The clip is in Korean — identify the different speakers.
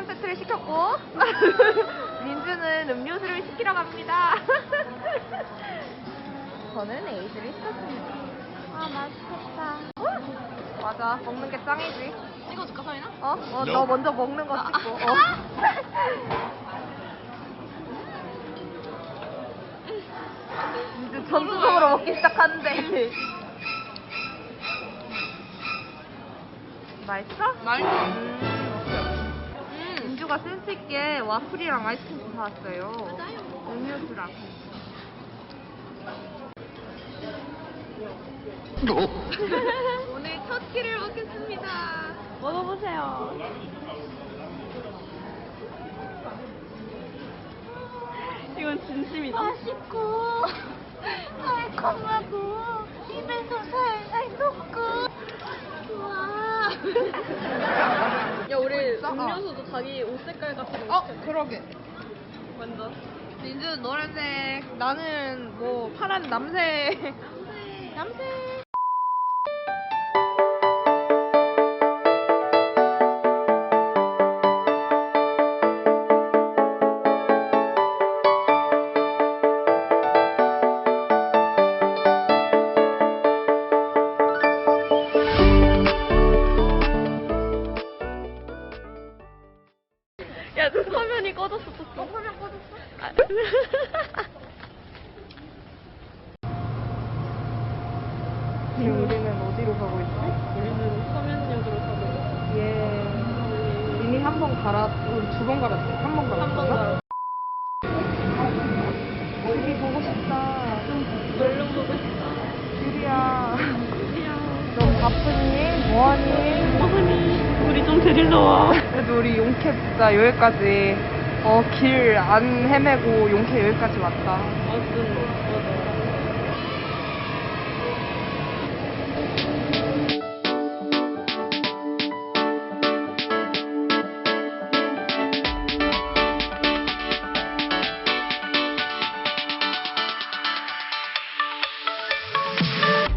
Speaker 1: 한 세트를 시켰고 민주는 음료수를 시키러 갑니다. 저는 에이드를 시켰습니다. 아 맛있겠다. 맞아, 먹는 게 짱이지.
Speaker 2: 찍어줄까, 서인아?
Speaker 1: 너 먼저 먹는 거 찍고. 민주 전투적으로 먹기 시작하는데. 맛있어?
Speaker 2: 맛있어.
Speaker 1: 민주가 센스 있게 와플이랑 아이스크림 사왔어요.
Speaker 2: 맞아요.
Speaker 1: 음료수랑. 오늘 첫 끼를 먹겠습니다.
Speaker 2: 먹어보세요. 이건 진심이다.
Speaker 1: 맛있고 달콤하고 입에서 살살 녹고. 우와.
Speaker 2: 야, 우리
Speaker 1: 있어?
Speaker 2: 음료수도 자기 옷 색깔 같은 거.
Speaker 1: 그러게.
Speaker 2: 완전.
Speaker 1: 민주는 노란색, 나는 뭐 파란 남색. 남색.
Speaker 2: 야, 너 화면이 꺼졌어.
Speaker 1: 화면 꺼졌어? 지금 우리는 어디로 가고 있지?
Speaker 2: 우리는 서면역으로 가고 있어.
Speaker 1: 예. 이미 한 번 우리 2번 갈았지? 한 번 갈았어.
Speaker 2: 한번 가.
Speaker 1: 귤이 보고 싶다.
Speaker 2: 얼른 보고 싶다.
Speaker 1: 귤이야.
Speaker 2: 드디어.
Speaker 1: 너 바쁘니? 뭐하니?
Speaker 2: 어머니, 우리 좀 데리러 와.
Speaker 1: 그래도 우리 용케 진짜 여기까지 길 안 헤매고 용케 여기까지 왔다.
Speaker 2: 맞아.